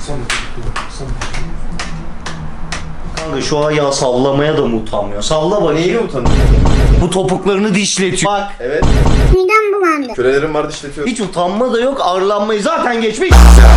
Kanka şu ayağı sallamaya da mı utanmıyor? Salla bakayım. Neyle utanıyor? Bu topuklarını dişletiyor. Bak. Evet. Midem bulandı. Kölelerim var dişletiyorum. Hiç utanma da yok, arlanmayı zaten geçmiş.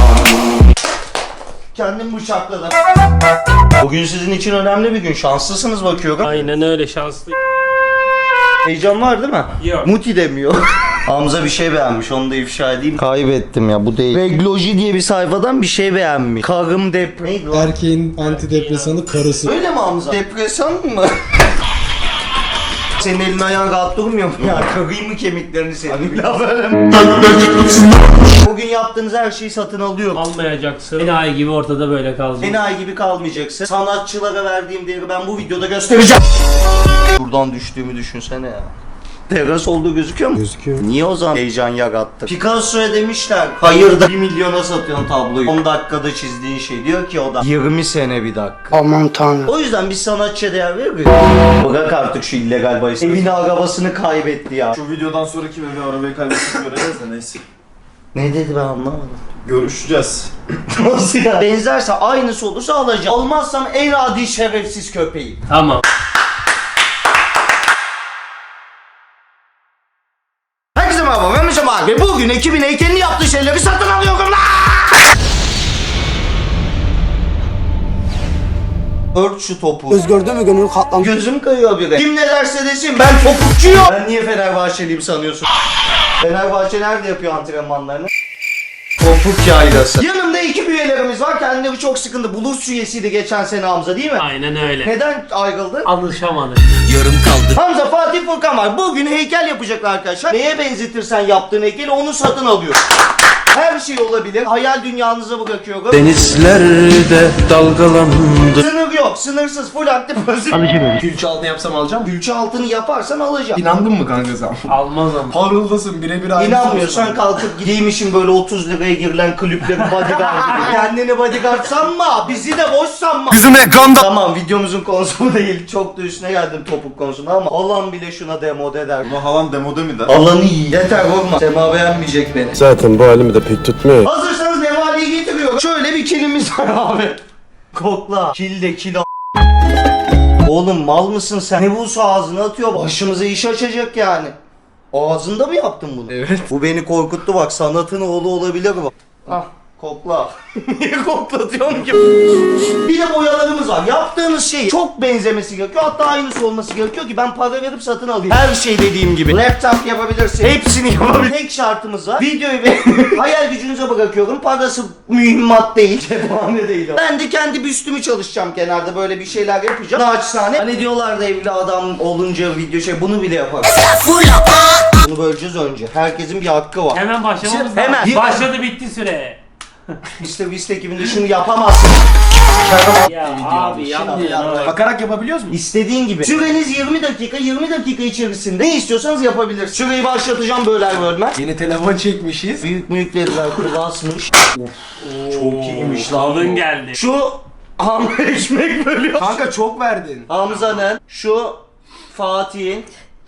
Kendim bıçakladım. Bugün sizin için önemli bir gün. Şanslısınız bakıyorum. Aynen öyle, şanslı. Heyecan var değil mi? Yok. Muti demiyor. Hamza bir şey beğenmiş, onu da ifşa edeyim. Kaybettim ya, bu değil. Regloji diye bir sayfadan bir şey beğenmiş. Karım neydi lan? Erkeğin antidepresanı karısı. Öyle mi Hamza? Depresyon mu? Senin elin ayağın rahat durmuyor mu ya? Kırayım mı kemiklerini senin? La böyle mi? Bugün yaptığınız her şeyi satın alıyorum. Almayacaksın. Enayi gibi ortada böyle kaldın. Enayi gibi kalmayacaksın. Sanatçılara verdiğim değeri ben bu videoda göstereceğim. Buradan düştüğümü düşünsene ya. Teras olduğu gözüküyor mu? Gözüküyor. Niye o zaman heyecan yarattı? Picasso'ya demişler, hayırda 1 milyona satıyorsun tabloyu. 10 dakikada çizdiğin şey diyor ki o da 20 sene bir dakika. Aman tanrım. O yüzden biz sanatçıya değer veririz. Bırak artık şu illegal bahis. Evini arabasını kaybetti ya. Şu videodan sonra kim evi arabayı kaybettiğini göreceğiz de neyse. Ne dedi ben anlamadım. Görüşeceğiz. Nasıl ya? Benzerse aynısı olursa alacağım. Olmazsam en adi şerefsiz köpeğim. Tamam. Herkese merhaba, ben Mesut abi. Bugün ekibin heykelini yaptığı şeyleri satın alıyorum lan! Ört şu topu. Göz gördü mü gönül katlandı. Gözüm kayıyor bile. Kim ne derse desin ben topukçuyum. Ben niye Fenerbahçeliyim sanıyorsun? Fenerbahçe nerede yapıyor antrenmanlarını? Topuk yaylası. Yanımda ekip üyelerimiz var. Kendileri çok sıkıntı. Bulurs üyesiydi geçen sene Hamza değil mi? Aynen öyle. Neden ayrıldı? Alışamadık. Hamza, Fatih, Furkan var. Bugün heykel yapacaklar arkadaşlar. Neye benzetirsen yaptığın heykeli onu satın alıyor. Her şey olabilir. Hayal dünyanıza bırakıyorum. Denizlerde dalgalandı. Sınır yok. Sınırsız. Full aktif pasif. Külçe altını yapsam alacağım. Külçe altını yaparsan alacağım. İnandın mı kanka sen? Almaz ama. Parıldasın birebir aynısı. İnanmıyorsan kalkıp gideymişim böyle 30 liraya girilen kulüplerin bodyguard gibi. Kendini bodyguard sanma. Bizi de boş sanma. Bizim ekranda. Tamam, videomuzun konusu bu değil. Çok da üstüne geldim topuk konusuna ama alan bile şuna demode der. Buna halan demode mi der? Alanı iyi. Yeter vurma. Sema beğenmeyecek beni. Zaten bu halimi de pek tutmuyor. Hazırsanız nevaleyi getiriyorum. Şöyle bir kilimiz var abi. Kokla. Kil de kil a- Oğlum mal mısın sen? Ne bulsa ağzına atıyor. Başımıza iş açacak yani. Ağzında mı yaptın bunu? Evet. Bu beni korkuttu bak. Sanatın oğlu olabilir bu. Ah. Kokla. Niye koklatıyorum ki? Bir de boyalarımız var. Yaptığınız şey çok benzemesi gerekiyor. Hatta aynısı olması gerekiyor ki ben para verip satın alayım. Her şey dediğim gibi. Laptop yapabilirsin. Hepsini yapabilirsin. Tek şartımız var. Videoyu benim hayal gücünüze bırakıyorum. Parası mühimmat değil. Cephane değil o. Ben de kendi büstümü çalışacağım kenarda. Böyle bir şeyler yapacağım. Naçizane. Hani diyorlar da evli adam olunca video şey bunu bile yaparım. Bunu böleceğiz önce. Herkesin bir hakkı var. Hemen başlamamız Hemen. lazım. Başladı, bitti süre. İşte Vista ekibinde şunu yapamazsın. Ya abi yapma ya. Bakarak yapabiliyoruz mu? İstediğin gibi. Süreniz 20 dakika. 20 dakika içerisinde ne istiyorsanız yapabilirsiniz. Süreyi başlatacağım böler bölmez. Yeni telefon çekmişiz. Büyük dediler basmış. Çok iyiymiş lan. Alın geldi. Şu hamle ekmek bölüyor. Kanka çok verdin. Hamza'nın, şu Fatih'in,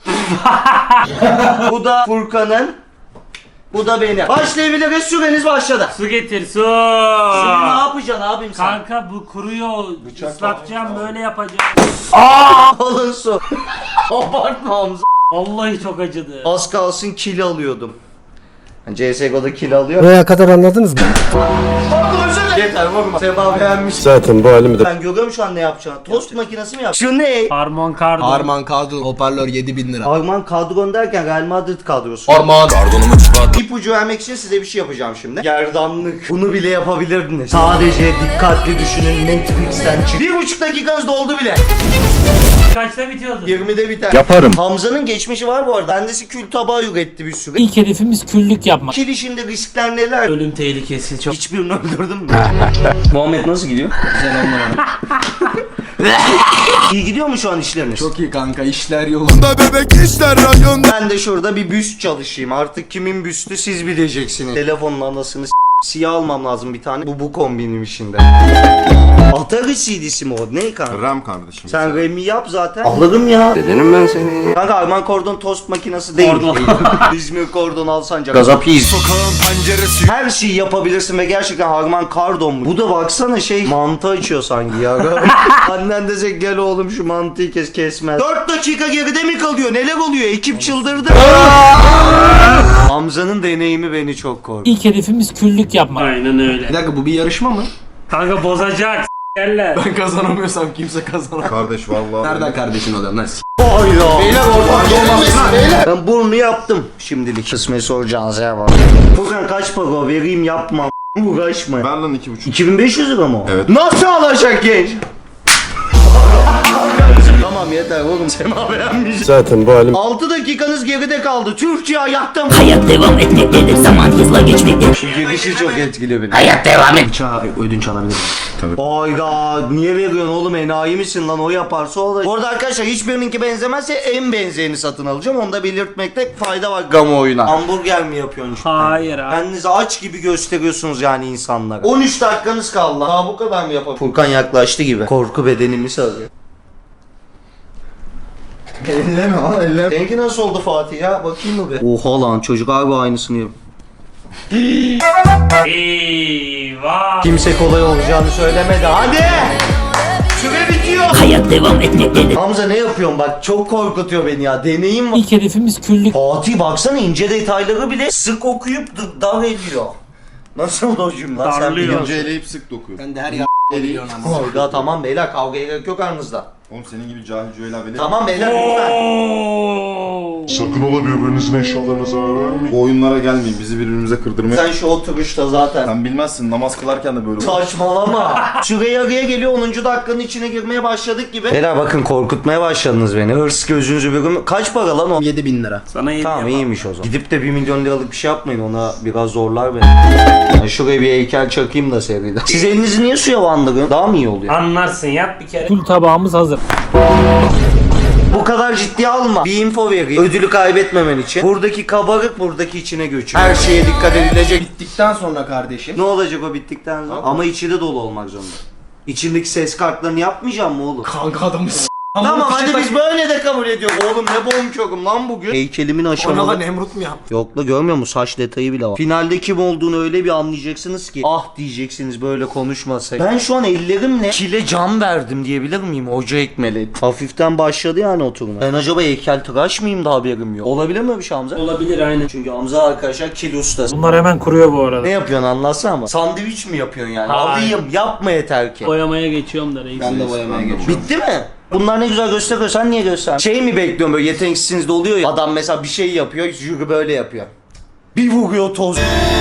bu da Furkan'ın, bu da benim. Başlayabiliriz, süreniz başladı. Su getir, su. Şimdi ne yapacaksın abim sen? Kanka bu kuruyor. Islatacağım, böyle yapacağım. Alın su. Abartma Hamza. Vallahi çok acıdı. Az kalsın kill alıyordum. Yani CSGO'da kill alıyor. Buraya kadar anladınız mı? Yeter vurma. Seba beğenmiş. Zaten bu halimi de Ben görüyorum şu an ne yapacağını. Tost makinesi mi yap? Şu ne? Harmon kardı. Arman kadro hoparlör 7000 lira. Arman kadron derken Real Madrid kadrosu. Arman. İpucu vermek için size bir şey yapacağım şimdi. Gerdanlık. Bunu bile yapabilirdiniz. Sadece dikkatli düşünün, Netflix'ten çık. 1,5 dakikanız doldu bile. Kaçta bitiyordu? 20'de biter. yaparım. Hamza'nın geçmişi var bu arada. Kendisi kül tabağı üretti bir sürü. İlk hedefimiz küllük yapmak. Kil işinde riskler neler? Ölüm tehlikesi çok. Hiçbirini öldürdün mü? Muhammed nasıl gidiyor? İyi gidiyor mu şu an işleriniz? Çok iyi kanka işler yolunda. Ben de şurada bir büst çalışayım. Artık kimin büstü siz bileceksiniz. Telefonun anasını Siyah almam lazım bir tane. Bu kombinim işinde. Atari CD'si mi o? Ne kanka? Ram kardeşim. Sen Rem'i yap zaten. Alırım ya. Dedenim ben seni. Kanka Arman Kordon tost makinesi değil. İzmir Kordon alsancak. Gazapiyiz. Sokağın penceresi. Her şeyi yapabilirsin ve gerçekten Harman Kardon mu? Bu da baksana mantı açıyor sanki ya. Annen desek gel oğlum şu mantıyı kesmez. 4 dakika geride mi kalıyor? Neler oluyor? Ekip çıldırdı. Hamza'nın deneyimi beni çok korktu. İlk hedefimiz küllük yapmak. Aynen öyle. Bir dakika bu bir yarışma mı? Kanka bozacak. Yerler. Ben kazanamıyorsam kimse kazanamaz. Kardeş vallahi. Nereden kardeşin oluyor lan? Hayda. Beyler ortak Ben burnu yaptım şimdilik. Kısmet soracağınız yer var. Furkan kaç para vereyim yapmam. Uğraşma. Ver lan 2,5. 2500 lira mı o? Evet. Nasıl alacak genç? Tamam yeter oğlum Sema beğenmiş. Zaten bu halim 6 dakikanız geride kaldı. Türkçe ayaktım. Hayat devam etmektedir, zaman hızla geçmektedir. Şu girişi çok etkili beni. Hayat devam et. Ödünç alabilirim. Hayda niye veriyorsun oğlum enayi misin lan o yaparsa o da. Bu arada arkadaşlar hiçbirininki benzemezse en benzeyeni satın alacağım. Onu da belirtmekte fayda var kamuoyuna. Hamburger mi yapıyorsun işte? Hayır abi. Kendinizi aç gibi gösteriyorsunuz yani insanlara. 13 dakikanız kaldı. Daha bu kadar mı yapalım? Furkan yaklaştı gibi. Korku bedenimi sarıyor. Elleme lan elleme. Seninki nasıl oldu Fatih ya? Bakayım mı be? Oha lan çocuk harbi aynısını yapıyor. Eyvah. Kimse kolay olacağını söylemedi. Hadi! Süre bitiyor. Hayat devam etmektedir. Hamza ne yapıyorsun bak çok korkutuyor beni ya. Deneyim var. İlk hedefimiz küllük. Fatih baksana ince detayları bile sık okuyup dar ediyor. Nasıl o cümle? Sen Darlıyor. biliyorsun. Önce eleyip sık dokuyor. Ben de her ya biliyorsun ama. Hayda tamam beyler kavgaya gerek yok aranızda. Oğlum senin gibi cahil cüela bile. Tamam beyler lütfen. Sakın ola birbirinizin eşyalarına zarar vermeyin. Bu oyunlara gelmeyin bizi birbirimize kırdırmaya. Sen şu oturuşta zaten. Sen bilmezsin namaz kılarken de böyle olur. Saçmalama. Süre yarıya geliyor 10. dakikanın içine girmeye başladık gibi. Beyler bakın korkutmaya başladınız beni. Hırs gözünüzü bir gün. Kaç para lan o? 7.000 lira. Sana yedi Tamam yapalım. iyiymiş o zaman. Gidip de 1 milyon liralık bir şey yapmayın ona biraz zorlar beni. Yani şuraya bir heykel çakayım da seriden. Siz elinizi niye suya bandırıyorsun? Daha mı iyi oluyor? Anlarsın yap bir kere. Kül tabağımız hazır. Bu kadar ciddiye alma. Bir info vereyim. Ödülü kaybetmemen için. Buradaki kabarık buradaki içine göçüyor. Her şeye dikkat edilecek. Bittikten sonra kardeşim. Ne olacak o bittikten sonra? Ama içi de dolu olmak zorunda. İçindeki ses kartlarını yapmayacağım mı oğlum? Kanka adamı Tamam hadi biz böyle de kabul ediyoruz. Oğlum ne bonkörüm lan bugün. Heykelimin Ona aşamalı. lan Nemrut mu yaptı? Yok la görmüyor musun? Saç detayı bile var. Finalde kim olduğunu öyle bir anlayacaksınız ki. Ah diyeceksiniz böyle konuşmasak. Ben şu an ellerimle kile can verdim diyebilir miyim? Hoca ekmeli. Hafiften başladı yani oturma. Ben acaba heykeltıraş mıyım da haberim yok. Olabilir mi bir şey Hamza? Olabilir aynen. Çünkü Hamza arkadaşlar kil ustası. Bunlar hemen kuruyor bu arada. Ne yapıyorsun anlatsana ama. Sandviç mi yapıyorsun yani? Hayır. Alayım yapma yeter ki. Boyamaya geçiyorum da reis. Ben de boyamaya geçiyorum. Bitti mi? Bunlar ne güzel gösteriyor. Sen niye göster? Şey mi bekliyorum böyle yeteneksizsiniz de oluyor ya. Adam mesela bir şey yapıyor, jüri böyle yapıyor. Bir vuruyor toz.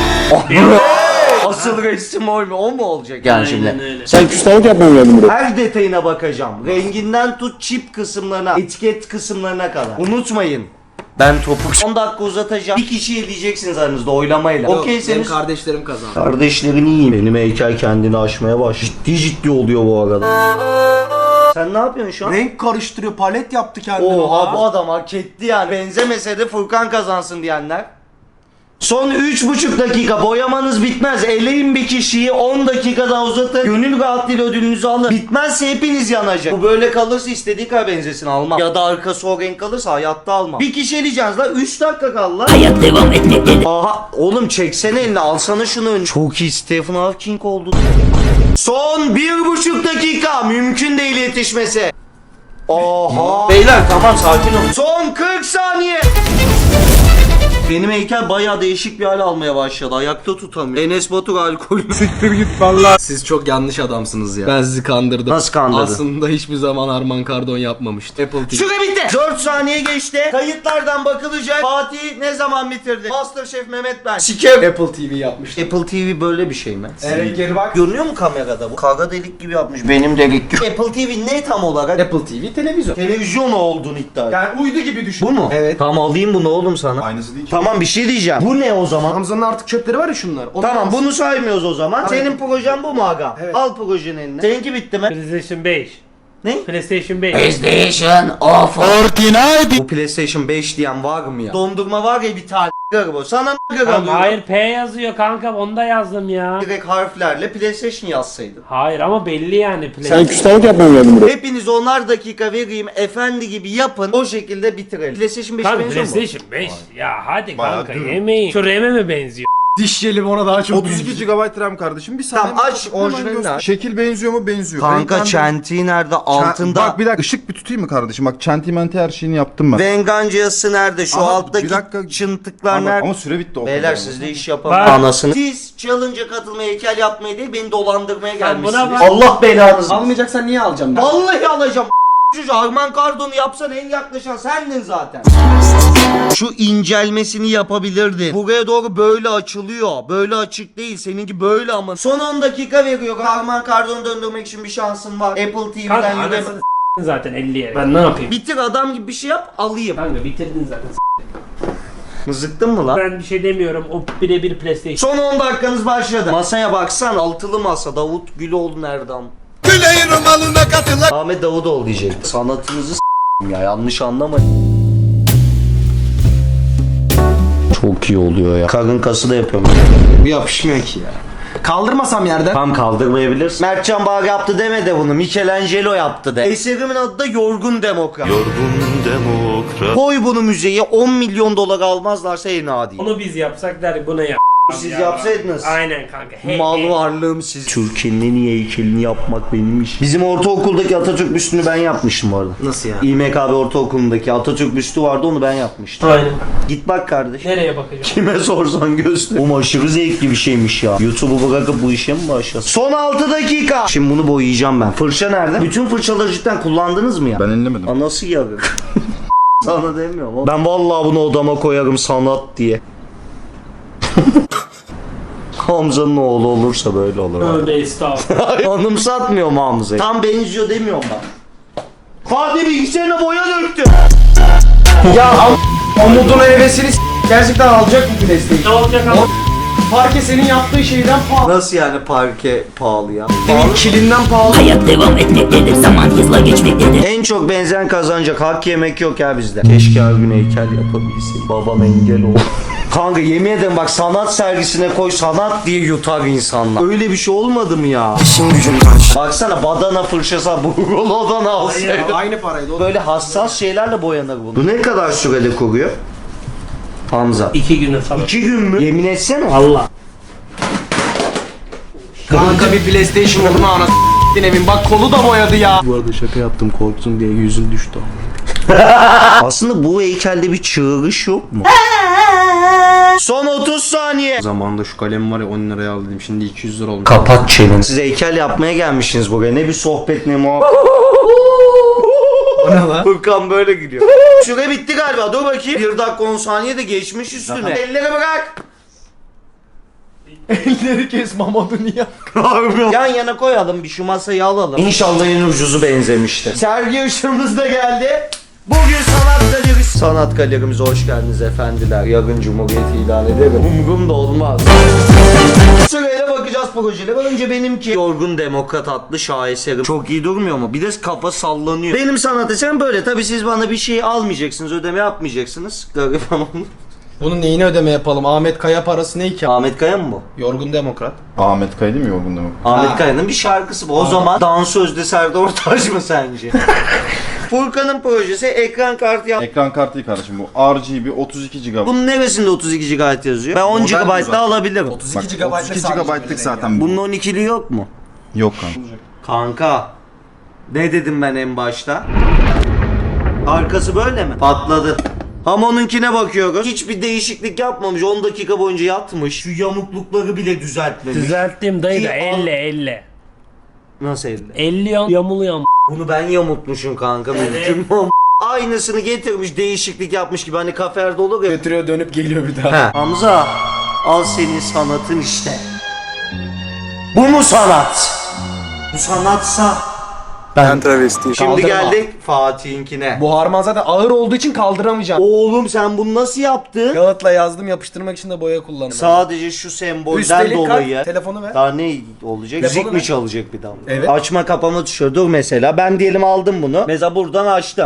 Asıl resim o mu? O mu olacak yani Aynen şimdi? öyle. Sen küstahlık yapmam geldim buraya. Her detayına bakacağım. Renginden tut çip kısımlarına, etiket kısımlarına kadar. Unutmayın. Ben topu 10 dakika uzatacağım. Bir kişi eleyeceksiniz aranızda oylamayla. Benim Okeyseniz. kardeşlerim kazandı. Kardeşlerin iyi. Benim heykel kendini aşmaya baş. Ciddi oluyor bu arada. Sen ne yapıyorsun şu an? Renk karıştırıyor, palet yaptı kendine. Oha bu adam hak etti yani. Benzemese de Furkan kazansın diyenler. Son 3,5 dakika boyamanız bitmez. Eleyin bir kişiyi 10 dakika daha uzatın. Gönül rahatlığıyla ödülünüzü alın. Bitmezse hepiniz yanacak. Bu böyle kalırsa istediği kadar benzesin almam. Ya da arkası o renk kalırsa hayatta almam. Bir kişi eleyeceğiz la 3 dakika kaldı la. Hayat devam etmektedir. Aha oğlum çeksene elini alsana şunu ön. Çok iyi Stephen Hawking oldu. Son 1,5 dakika mümkün değil yetişmesi. Oha. Beyler tamam sakin olun. Son 40 saniye. Benim heykel bayağı değişik bir hal almaya başladı. Ayakta tutamıyor. Enes Batur alkolü. Siktir git valla. Siz çok yanlış adamsınız ya. Ben sizi kandırdım. Nasıl kandırdın? Aslında hiçbir zaman Arman Kardon yapmamıştı. Apple TV. Süre bitti. 4 saniye geçti. Kayıtlardan bakılacak. Fatih ne zaman bitirdi? Masterchef Mehmet ben. Siker. Apple TV yapmıştı. Apple TV böyle bir şey mi? Geri bak. Görünüyor mu kamerada bu? Kara delik gibi yapmış. Benim delik gibi. Apple TV ne tam olarak? Apple TV televizyon. Televizyon olduğunu iddia ediyor. Yani uydu gibi düşün. Bu mu? Evet. Tamam alayım bunu oğlum sana. Aynısı değil ki. Tamam bir şey diyeceğim. Bu ne o zaman? Hamza'nın artık çöpleri var ya şunlar. Tamam bunu saymıyoruz o zaman. Senin projen bu mu aga? Evet. Al projenin eline. Seninki bitti mi? PlayStation 5. Ne? PlayStation 5. PlayStation of. Bu PlayStation 5 diyen var mı ya? Dondurma var ya bir tane bu. Sana Tamam, hayır P yazıyor kanka, onu da yazdım ya. Direkt harflerle PlayStation yazsaydın. Hayır ama belli yani Sen PlayStation. küstahlık yapmaya mı geldin buraya? Hepiniz 10'ar dakika vereyim efendi gibi yapın. O şekilde bitirelim. PlayStation 5 Tabii benziyor mu? PlayStation 5. Ya hadi Bayağı kanka değil. yemeyin. Şu RAM'e mi benziyor? Diş jeli ona daha çok 32 GB RAM kardeşim. Bir saniye. Tamam, aç, Hemen orijinalini göster. aç. Şekil benziyor mu? Benziyor. Kanka Renklendir- çentiği nerede? Altında. Bak bir dakika ışık bir tutayım mı kardeşim? Bak çentimenti her şeyini yaptım ben. Vengancası nerede? Şu Ama alttaki bir dakika. çıntıklar Ama, nerede? ama süre bitti o Beyler kadar. siz de iş yapamam. Bak. Anasını. Siz challenge'a katılmaya, heykel yapmaya değil beni dolandırmaya Sen buna gelmişsiniz. bak. Allah belanızı. Almayacaksan niye alacağım ben? Vallahi alacağım. Çocuğu Arman Kardon'u yapsan en yaklaşan sendin zaten. Şu incelmesini yapabilirdin. Buraya doğru böyle açılıyor. Böyle açık değil. Seninki böyle ama. Son 10 dakika veriyor. Arman Kardon'u döndürmek için bir şansın var. Apple Kanka TV'den anasını yürü. s**tin zaten 50'ye. Ben ne yapayım? Bitir adam gibi bir şey yap alayım. Kanka bitirdin zaten. Mızıktın mı lan? Ben bir şey demiyorum. O birebir PlayStation. Son 10 dakikanız başladı. Masaya baksan altılı masa. Davut Güloğlu nereden? Ahmet Davutoğlu diyecek. Sanatınızı ya yanlış anlamayın. Çok iyi oluyor ya. Karın kası da yapıyorum. Bu yapışmıyor ki ya. Kaldırmasam yerden. Tam kaldırmayabilirsin. Mertcan Bağ yaptı deme de bunu. Michelangelo yaptı de. Eserimin adı da Yorgun Demokrat. Yorgun demokrat. Koy bunu müzeye 10 milyon dolar almazlarsa en adi. Onu biz yapsak der bu ne ya? Siz Ya. yapsaydınız. Aynen kanka. Hey, Mal hey. varlığım siz. Türkiye'nin en iyi heykelini yapmak benim işim. Bizim ortaokuldaki Atatürk büstünü ben yapmıştım bu arada. Nasıl ya? İMKB ortaokulundaki Atatürk büstü vardı onu ben yapmıştım. Aynen. Git bak kardeş. Nereye bakacağım? Kime sorsan göster. Oğlum aşırı zevkli bir şeymiş ya. YouTube'u bırakıp bu işe mi başlasın? Son 6 dakika. Şimdi bunu boyayacağım ben. Fırça nerede? Bütün fırçaları cidden kullandınız mı ya? Ben ellemedim. Anası yarık. Sana demiyorum oğlum. Ben vallahi bunu odama koyarım sanat diye. Hamza'nın oğlu olursa böyle olur. Tövbe estağfurullah. Anımsatmıyor mu Hamza'yı? Tam benziyor demiyorum ben. Fatih bilgisayarına boya döktü. Umudun hevesini gerçekten alacak mı PlayStation? Ne olacak ama? Parke senin yaptığın şeyden pahalı. Nasıl yani parke pahalı ya? Senin kilinden pahalı. Hayat devam etmektedir. Zaman hızla geçmektedir. En çok benzeyen kazanacak. Hak yemek yok ya bizde. Keşke her gün heykel yapabilseydim. Babam engel oldu. Kanka yemin ederim bak sanat sergisine koy sanat diye yutar insanlar. Öyle bir şey olmadı mı ya? İşim gücüm kaç. Baksana badana fırçası burguladan alsaydım. Aynı paraydı. Böyle hassas şeylerle boyanır bu. Bu ne kadar sürede kuruyor? Hamza. 2 güne falan. 2 gün mü? Yemin etsene. Allah. Kanka bir PlayStation olduğunu anasını evin. Bak kolu da boyadı ya. Bu arada şaka yaptım korktun diye yüzün düştü. Aslında bu heykelde bir çığırış yok mu? Son 30 saniye. Zamanında şu kalem var ya 10 liraya aldım şimdi 200 lira olmuş. Kapat çeneni. Siz heykel yapmaya gelmişsiniz buraya. Ne bir sohbet ne muhabbet. O ne lan? Furkan böyle gidiyor. Süre bitti galiba. Dur bakayım. 1 dakika 10 saniye de geçmiş üstüne. Elleri bırak. Elleri kes Mamadou niye? Yan yana koyalım bir şu masayı alalım. İnşallah en ucuzu benzemiştir. Sergi ışığımız da geldi. Bugün sanat galerisi. Sanat galerimize hoş geldiniz efendiler. Yarın Cumhuriyeti ilan ederim. Umurumda olmaz. Sırayla bakacağız projelere. Önce benimki Yorgun Demokrat adlı şaheserim. Çok iyi durmuyor mu? Bir de kafa sallanıyor. Benim sanat eserim böyle. Tabii siz bana bir şey almayacaksınız, ödeme yapmayacaksınız. Gariban Bunun neyine ödeme yapalım? Ahmet Kaya parası ne ki? Ahmet Kaya mı bu? Yorgun Demokrat. Ahmet Kaya değil mi Yorgun Demokrat? Ahmet Kaya'nın bir şarkısı bu. O zaman dansözde Serdar Ortaç mı sence? Furkan'ın projesi ekran kartı yap. Ekran kartı değil kardeşim bu. RGB 32 GB. Bunun neresinde 32 GB yazıyor? Ben 10 Model GB bu zaten. da alabilirim. 32 Bak, GB 32 GB'lık zaten bu. Bunun 12'li yok mu? Yok kanka. Kanka. Ne dedim ben en başta? Arkası böyle mi? Patladı. Ama onunkine bakıyoruz. Hiçbir değişiklik yapmamış. 10 dakika boyunca yatmış. Şu yamuklukları bile düzeltmemiş. Düzelttim dayı da İyi, 50. Nasıl elde? 50 yamuluyorum. Bunu ben yamultmuşum kanka. Mümkün mü? Aynısını getirmiş değişiklik yapmış gibi hani kaferde olur ya. Götürüyor dönüp geliyor bir daha. Ha. Hamza al senin sanatın işte. Bu mu sanat? Bu sanatsa Ben travestiyim. Şimdi Kaldırma. geldik Fatih'inkine. Bu harman zaten ağır olduğu için kaldıramayacağım. Oğlum sen bunu nasıl yaptın? Kağıtla yazdım, yapıştırmak için de boya kullandım. Sadece şu sembolden Üstelik dolayı. telefonu ver. Daha ne olacak? Telefonu Müzik mi ver. çalacak bir daha? Evet. Açma kapama tuşu. Dur mesela. Ben diyelim aldım bunu. Mesela buradan açtım.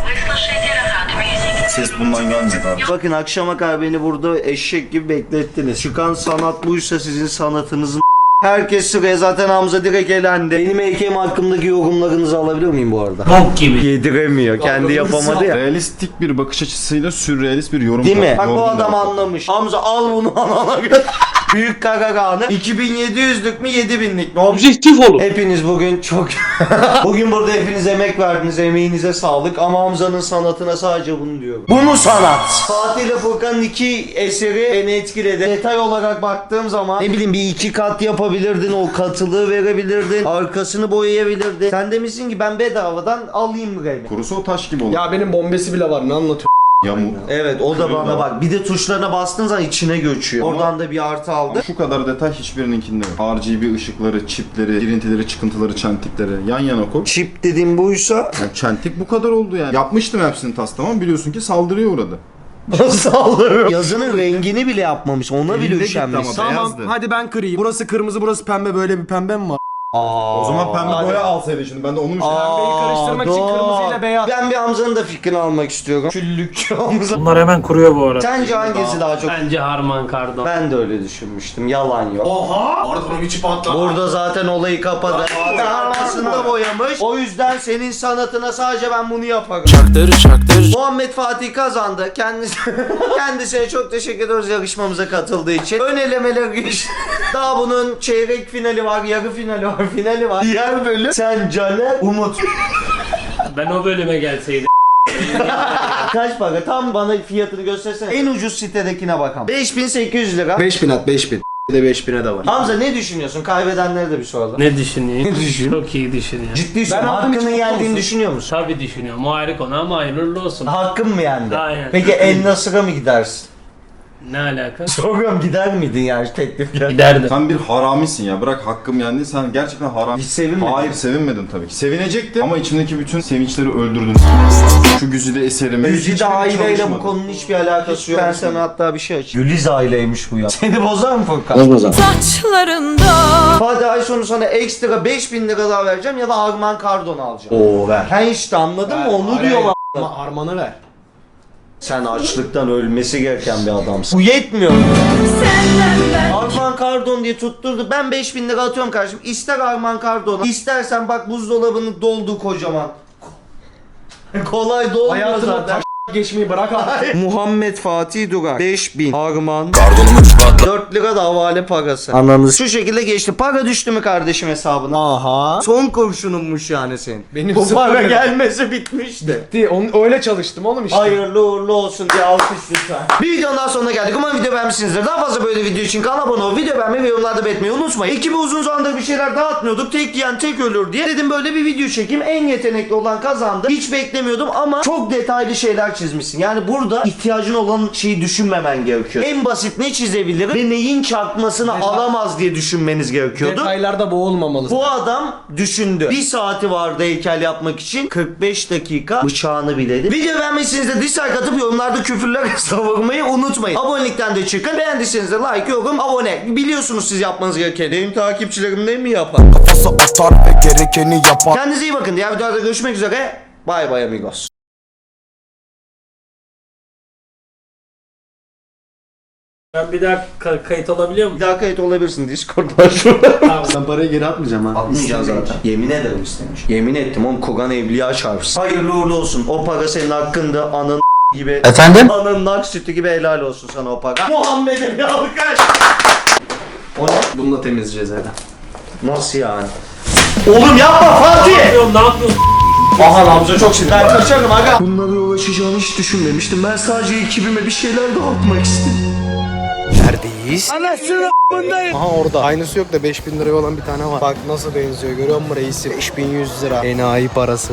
Ses bundan gelmedi abi. Bakın akşama kadar beni burada eşek gibi beklettiniz. Çıkan sanat buysa sizin sanatınızın herkes sıraya, zaten Hamza direkt elendi. Benim heykelim hakkındaki yorumlarınızı alabilir miyim bu arada? Bok gibi. Yediremiyor. Kendi yapamadı ya. Realistik bir bakış açısıyla sürrealist bir yorum. Değil mi? Bak bu Yorgun adam da- anlamış. Hamza al bunu anana göre. Büyük karaganı 2700'lük mü 7000'lik mi? Objektif olun. Hepiniz bugün çok... bugün burada hepiniz emek verdiniz. Emeğinize sağlık. Ama Hamza'nın sanatına sadece bunu diyorum. Bu mu sanat? Fatih ile Furkan'ın iki eseri beni etkiledi. Detay olarak baktığım zaman ne bileyim bir iki kat yapabilirdin. O katılığı verebilirdin. Arkasını boyayabilirdin. Sen demişsin ki ben bedavadan alayım burayı. Kurusu o taş gibi olur. Ya benim bombesi bile var, ne anlatıyorsun? Yamuk. Evet o da bana bak. Bir de tuşlarına bastığın zaman içine göçüyor. Ama- Oradan da bir artı aldı. Şu kadar detay hiçbirininkinde yok. RGB ışıkları, çipleri, girintileri, çıkıntıları, çentikleri yan yana koy. Çip dediğim buysa Yani çentik bu kadar oldu yani. Yapmıştım hepsini tamam, biliyorsun ki saldırıya uğradı. sallıyor. Yazının rengini bile yapmamış. Ona bile Elinde üşenmiş. gitti ama. Tamam, Beyazdı. hadi ben kırayım. Burası kırmızı, burası pembe, böyle bir pembe mi var? Aa, O zaman pembe boya alsaydı şimdi, ben de onu müşteri. Pembeyi karıştırmak için kırmızıyla beyaz. Ben bir Hamza'nın da fikrini almak istiyorum. Küllükçü Hamza. Bunlar hemen kuruyor bu arada. Sence hangisi daha çok? Bence Harman Kardon. Ben de öyle düşünmüştüm. Yalan yok. Pardon, içi patladı. Burada zaten olayı kapadı. Arkasında boyamış. O yüzden senin sanatına sadece ben bunu yaparım. Muhammed Fatih kazandı. Kendisine çok teşekkür ediyoruz yarışmamıza katıldığı için. Ön elemeler geçti. Daha bunun çeyrek finali var, yarı finali var, finali var. Diğer bölüm sen, Caner, Umut. Ben o bölüme gelseydim. Kaç para? Tam bana fiyatını göstersene. En ucuz sitedekine bakalım. 5800 lira. 5000 at, 5000. Bir de 5000'e de var. Hamza ne düşünüyorsun? Kaybedenlere de bir soralım. Ne düşüneyim? Çok iyi düşünüyorum. Ciddi Ben aldım, hakkını hiç mutlu yendiğini musun? düşünüyor musun? Tabii düşünüyorum. O ayrı konu ama hayırlı olsun. Hakkın mı yendi? Aynen. Peki El Nasır'a mı gidersin? Ne alaka? Soruyorum, gider miydin yani teklifle? Giderdim. Sen bir haramisin ya, bırak hakkım yendi, sen gerçekten haram. Hiç sevinmedin. Hayır, sevinmedim tabii ki. Sevinecektim ama içimdeki bütün sevinçleri öldürdün. Şu güzide eserimi. Güzide aileyle bu konunun hiçbir alakası yok. Ben sana hatta bir şey açayım. Güliz aileymiş bu ya. Seni bozar mı Furkan? Saçlarında Hadi ay sonu sana ekstra 5000 lira daha vereceğim ya da Arman Kardon alacağım. Oo ver. Sen işte anladın mı? Onu diyorlar. Ama Arman'ı ver. Sen açlıktan ölmesi gereken bir adamsın. Bu yetmiyor. Arman Kardon diye tutturdu. Ben 5000 lira atıyorum kardeşim. İster Arman Kardon'a, istersen bak buzdolabının doldu kocaman. Kolay dolmuyor Hayatımda zaten. taş geçmeyi bırak artık. Muhammed Fatih Durak 5000 Arman 4 lira da havale parası. Ananız şu şekilde geçti. Para düştü mü kardeşim hesabına? Aha. Son kurşununmuş yani senin. Benim Bu sıfır para lira. gelmesi bitmişti. Onu öyle çalıştım oğlum işte. Hayırlı uğurlu olsun diye alkış lütfen. Bir videonun daha sonuna geldik. Umarım video beğenmişsinizdir. Daha fazla böyle video için kanala abone ol, video beğenmeyi ve yorumlarda belirtmeyi unutmayın. Ekibi uzun zamandır bir şeyler dağıtmıyorduk. Tek yiyen tek ölür diye. Dedim böyle bir video çekeyim. En yetenekli olan kazandı. Hiç beklemiyordum ama çok detaylı şeyler çizmişsin. Yani burada ihtiyacın olan şeyi düşünmemen gerekiyor. En basit ne çizebilir ve neyin çarpmasını alamaz diye düşünmeniz gerekiyordu. Detaylarda boğulmamalı. Bu adam düşündü. Bir saati vardı heykel yapmak için. 45 dakika bıçağını biledi. Video beğenmişsiniz de dislike atıp yorumlarda küfürler savurmayı unutmayın. Abonelikten de çıkın. Beğendiyseniz de like, yorum, abone. Biliyorsunuz siz yapmanız gereken. Benim takipçilerim ne mi yapar? Kafası atar ve gerekeni yapar. Kendinize iyi bakın. Diğer videolarda görüşmek üzere. Bye bye amigos. Ben bir daha kayıt olabiliyor Bir muyum? daha kayıt olabilirsin. Discord'dan şurada. Ben parayı geri atmayacağım ha. Atmayacağım zaten. Yemin ederim istemiş. Yemin ettim oğlum, Kur'an evliya çarpsın. Hayırlı uğurlu olsun. O para senin hakkında, anın gibi. Efendim? Anın nak sütü gibi helal olsun sana o para. Muhammed'e bir alkış. O ne? Bununla temizleyeceğiz herhalde. Nasıl yani? Oğlum yapma Fatih! Ne yapıyorsun? Aha Hamza çok sinir. Ben kaçarım aga. Bunlara ulaşacağını hiç düşünmemiştim. Ben sadece ekibime bir şeyler dağıtmak istedim. Aha orada. Aynısı yok da 5000 liraya olan bir tane var. Bak nasıl benziyor, görüyor musun reisi? 5100 lira. Enayi parası.